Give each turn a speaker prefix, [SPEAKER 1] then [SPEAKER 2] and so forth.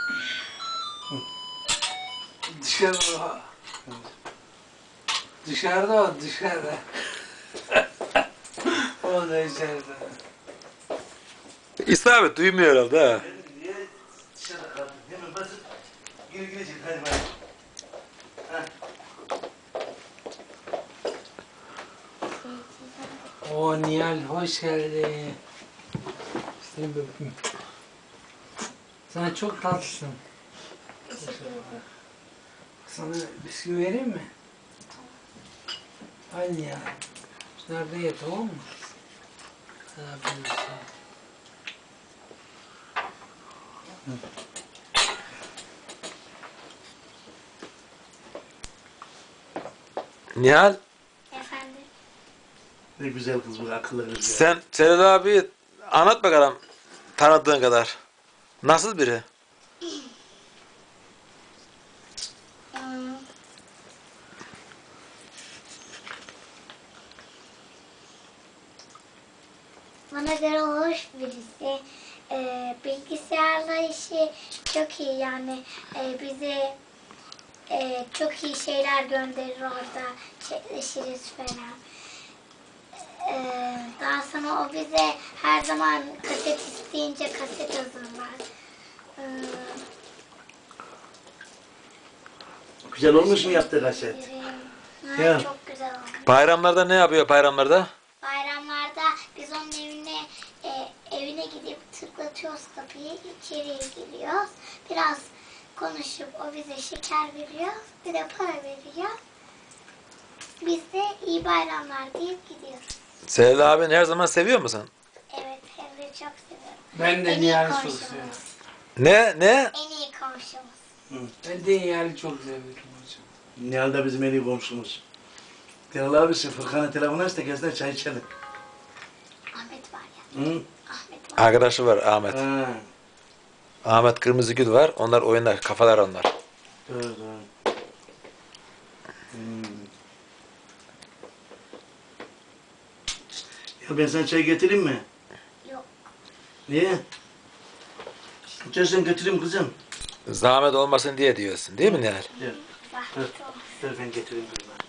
[SPEAKER 1] Dışarıda. Dışarıda o, dışarıda. O da içeride.
[SPEAKER 2] İsabet duymuyor herhalde ha.
[SPEAKER 3] Niye dışarıda kaldın? Hemen basıp geri girecek. Hadi bak.
[SPEAKER 1] O Nihal hoş geldin. Seni bir öpeyim. Sen çok tatlısın. Sana bisküvi vereyim mi? Al Nihal. Nerede ye, tamam mı? Afiyet olsun.
[SPEAKER 2] Nihal,
[SPEAKER 4] Efendim?
[SPEAKER 3] Ne güzel kız bu, akıllı kız ya.
[SPEAKER 2] sen Celal abi anlat bakalım tanıdığın kadar. Nasıl biri?
[SPEAKER 4] Hmm. Bana göre hoş birisi. Bilgisayarla işi çok iyi yani. Bize çok iyi şeyler gönderir orada. Çekleşiriz falan. Daha sonra o bize her zaman kaset isteyince kaset hazırlar.
[SPEAKER 3] Güzel olmuş mu yaptığı kaset?
[SPEAKER 4] Ha,
[SPEAKER 3] Ya.
[SPEAKER 4] çok güzel olmuş.
[SPEAKER 2] Bayramlarda ne yapıyor bayramlarda?
[SPEAKER 4] Bayramlarda biz onun evine gidip tıklatıyoruz kapıyı, içeriye giriyoruz. Biraz konuşup o bize şeker veriyor, bir de para veriyor. Biz de iyi bayramlar deyip gidiyoruz.
[SPEAKER 2] Celal abini her zaman seviyor musun?
[SPEAKER 4] Evet, hem de çok seviyorum.
[SPEAKER 1] Ben de
[SPEAKER 4] En iyi
[SPEAKER 1] Nihal'i çok
[SPEAKER 4] komşumuz.
[SPEAKER 1] seviyorum.
[SPEAKER 2] Ne?
[SPEAKER 4] En iyi komşumuz.
[SPEAKER 1] Ben de Nihal'i çok seviyorum hocam.
[SPEAKER 3] Nihal da bizim en iyi komşumuz. Celal abisi Furkan'a telefon aç da gelsin çay içelim.
[SPEAKER 4] Ahmet var ya.
[SPEAKER 3] Hı?
[SPEAKER 4] Ahmet var.
[SPEAKER 2] Arkadaşı var Ahmet.
[SPEAKER 3] Ha.
[SPEAKER 2] Ahmet Kırmızıgül var. Onlar oynar. Kafalar onlar.
[SPEAKER 3] Doğru doğru. Ya ben sana çay getireyim mi?
[SPEAKER 4] Yok.
[SPEAKER 3] Niye? İçersen götüreyim kızım.
[SPEAKER 2] Zahmet olmasın diye diyorsun değil mi Nihal?
[SPEAKER 3] Gel.
[SPEAKER 4] Zahmet olmaz.
[SPEAKER 3] Dur ben getireyim kızım.